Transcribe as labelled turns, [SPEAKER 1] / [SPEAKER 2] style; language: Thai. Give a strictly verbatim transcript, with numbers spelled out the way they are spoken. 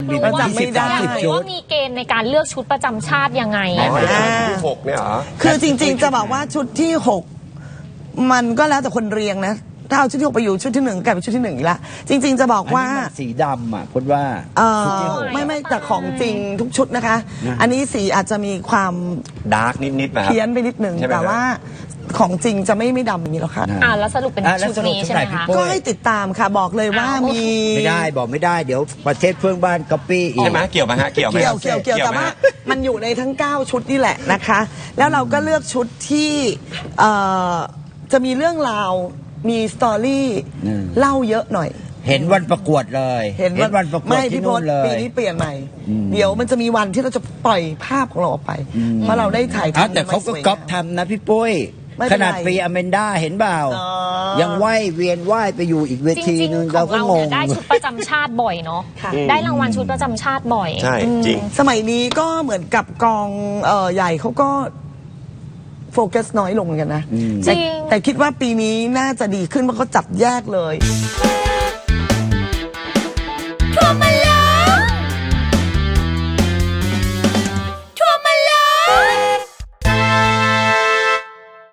[SPEAKER 1] มี
[SPEAKER 2] เราจำไม่ได้
[SPEAKER 1] ยี่สิบ ชุด
[SPEAKER 3] ว่ามีเกณฑ์ในการเลือกชุดประจำชาติยังไง
[SPEAKER 4] อ๋
[SPEAKER 3] อะ
[SPEAKER 4] อ
[SPEAKER 3] คะ
[SPEAKER 4] ที่หกเนี่ยเหรอ
[SPEAKER 2] คือจริงๆจะบอกว่าชุดที่หกมันก็แล้วแต่คนเรียงนะถ้าเอาชุดที่หกไปอยู่ชุดที่หนึ่งกลายเป็นชุดที่หนึ่งอีกละจริง ๆจะบอกว่า
[SPEAKER 1] อันนี้มันสีดำอ่ะพูดว่า
[SPEAKER 2] เออ
[SPEAKER 1] ชุดที่หก
[SPEAKER 2] ไม่ไม่แต่ของจริงทุกชุดนะคะ
[SPEAKER 1] นะ
[SPEAKER 2] อันนี้สีอาจจะมีความ
[SPEAKER 4] ดาร์กนิดๆนะครั
[SPEAKER 2] เพี้ยนไปนิดหนึ่ง
[SPEAKER 4] ใช่ไหม
[SPEAKER 2] แต่ว่าของจริงจะไม่ไม่ดำอย่างนี้หรอกค่ะ
[SPEAKER 1] นะ
[SPEAKER 3] อ่าแล้วสรุปเป็น
[SPEAKER 1] อ่ะแล้ว
[SPEAKER 3] ชุดนี้
[SPEAKER 1] สรุป
[SPEAKER 3] ใช่ไหม
[SPEAKER 1] ชุดไหนพี่
[SPEAKER 3] คะ
[SPEAKER 1] ปุ้
[SPEAKER 2] ก็ให้ติดตามค่ะบอกเลยว่า
[SPEAKER 3] อ้าว
[SPEAKER 2] มี
[SPEAKER 1] ไม่ได้บอกไม่ได้เดี๋ยวประเทศเพื่อนบ้านก๊อปปี้อีก
[SPEAKER 4] ใช่ไหมเกี่ยวไหมฮะเกี่ยวไหม
[SPEAKER 2] เกี่ยวเกี่ยวเกี่ยวแต่
[SPEAKER 4] ไหม
[SPEAKER 2] ว่า
[SPEAKER 4] ฮะ
[SPEAKER 2] มันอยู่ในทั้งเก้าชุดนี่แหละนะคะ แล้วเราก็เลือกชุดที่เอ่อจะมีเรื่องราวมีสตอรี่
[SPEAKER 1] อืม
[SPEAKER 2] เล่าเยอะหน่อย
[SPEAKER 1] เห็นวันประกวดเลย
[SPEAKER 2] เห็น
[SPEAKER 1] วันประกวด
[SPEAKER 2] ไม่
[SPEAKER 1] ที่
[SPEAKER 2] พี่พ
[SPEAKER 1] นู่
[SPEAKER 2] ศ
[SPEAKER 1] นเลย
[SPEAKER 2] ปีนี้เปลี่ยนใหม่
[SPEAKER 1] อืม
[SPEAKER 2] เดี๋ยวมันจะมีวันที่เราจะปล่อยภาพของเราออกไป เพราะเราได้ถ่าย
[SPEAKER 1] อ้าว
[SPEAKER 2] ทำ
[SPEAKER 1] แต่เขาก็
[SPEAKER 2] ไว้สวยงม
[SPEAKER 1] ก๊อปทำนะพี่ปุ้ย
[SPEAKER 2] ไม่
[SPEAKER 1] ข
[SPEAKER 2] เป็นไร
[SPEAKER 1] นาดปีอเมนด้าเห็นเปล่า
[SPEAKER 2] อ๋อ
[SPEAKER 1] ยังไหวเวียนไหวไปอยู่อีกเว
[SPEAKER 3] จ
[SPEAKER 1] ที
[SPEAKER 3] ริง
[SPEAKER 1] นึง
[SPEAKER 3] ๆข
[SPEAKER 1] เรา
[SPEAKER 3] อง
[SPEAKER 1] ก็
[SPEAKER 3] เรา
[SPEAKER 1] ง
[SPEAKER 3] เนี่
[SPEAKER 1] ง
[SPEAKER 3] ยได้ชุดประจำชาติบ่อยเนาะ
[SPEAKER 2] ค่ะ
[SPEAKER 3] ได้รางวัลชุดประจำชาติบ่อย
[SPEAKER 4] ใช่จริง
[SPEAKER 2] สมัยนี้ก็เหมือนกับกองเอ่อใหญ่เขาก็โฟกัสน้อยลงเหมือนกันนะ
[SPEAKER 1] อืม
[SPEAKER 2] แต่
[SPEAKER 3] จริง
[SPEAKER 2] แต่คิดว่าปีนี้น่าจะดีขึ้นเพราะเขาจับแยกเลย
[SPEAKER 5] ทั่วมาเลย